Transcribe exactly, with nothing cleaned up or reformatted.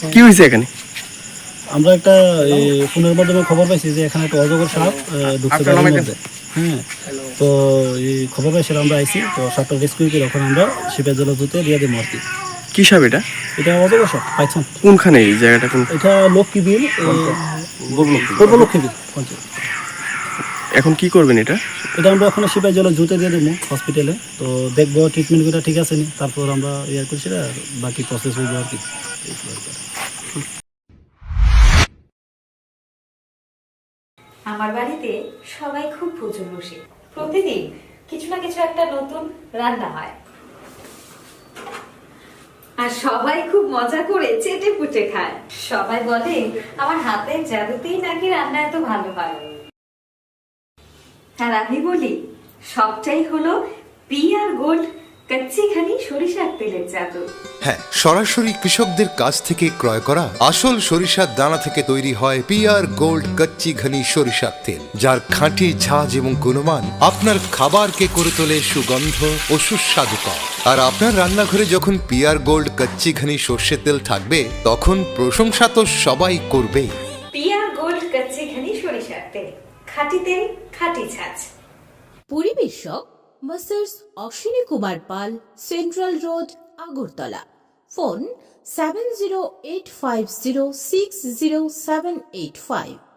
কি হয়েছে এখানে? আমরা একটা এই, ফোনের মাধ্যমে খবর পাইছি যে এখানে একটা অজগর সাপ আহ, ঢুকছে বাড়ির মধ্যে। হ্যাঁ, তো এই খবর পাইছিলাম, আমরা আইছি, তো সাপটা রেস্কিউ করে ওখানে আমরা শিপের জল জুতে দিয়ে দিই আর কি। কি সাপ এটা? এটা অজগর সাপ পাইছন। কোনখানে এই জায়গাটা? কোন? এটা লক্ষ্মীবিল, পূর্ব লক্ষ্মীবিল পঞ্চায়েত। এখন কি করবেন এটা? এটা আমরা ওখানে শিপের জল জুতে দিয়ে দেবো হসপিটালে, তো দেখবো ট্রিটমেন্ট করে ঠিক আছে নি, তারপর আমরা ইয়ে করছি আর বাকি প্রসেস হইব আর কি। আমার বাড়িতে সবাই খুব প্রচুর বসে, প্রতিদিন কিছু না কিছু একটা নতুন রান্না হয়, আর সবাই খুব মজা করে চেটে পুটে খায়। সবাই বলে আমার হাতের জাদুতেই নাকি রান্না এত ভালো হয়। আর আমি বলি সবটাই হলো পিআর গোল্ড কচ্চিখানি সরিষার তেলের জাদু। হ্যাঁ, সরাসরি কৃষকদের কাছ থেকে ক্রয় করা আসল সরিষার দানা থেকে তৈরি হয় পিআর গোল্ড কচ্চি ঘনি সরিষার তেল, যার খাঁটি ঝাঁজ এবং গুণমান আপনার খাবারকে করে তোলে সুগন্ধ ও সুস্বাদুকর। আর আপনার রান্নাঘরে যখন পিআর গোল্ড কচ্চি ঘনি সর্ষের তেল থাকবে, তখন প্রশংসা তো সবাই করবেই। পিআর গোল্ড কচ্চিখানি সরিষার তেল, খাঁটি তেল, খাঁটি ছাঁচ। পরিবেশক masters Ashwini Kumar Pal, central road, Agartala. Phone seven zero eight five zero six zero seven eight five.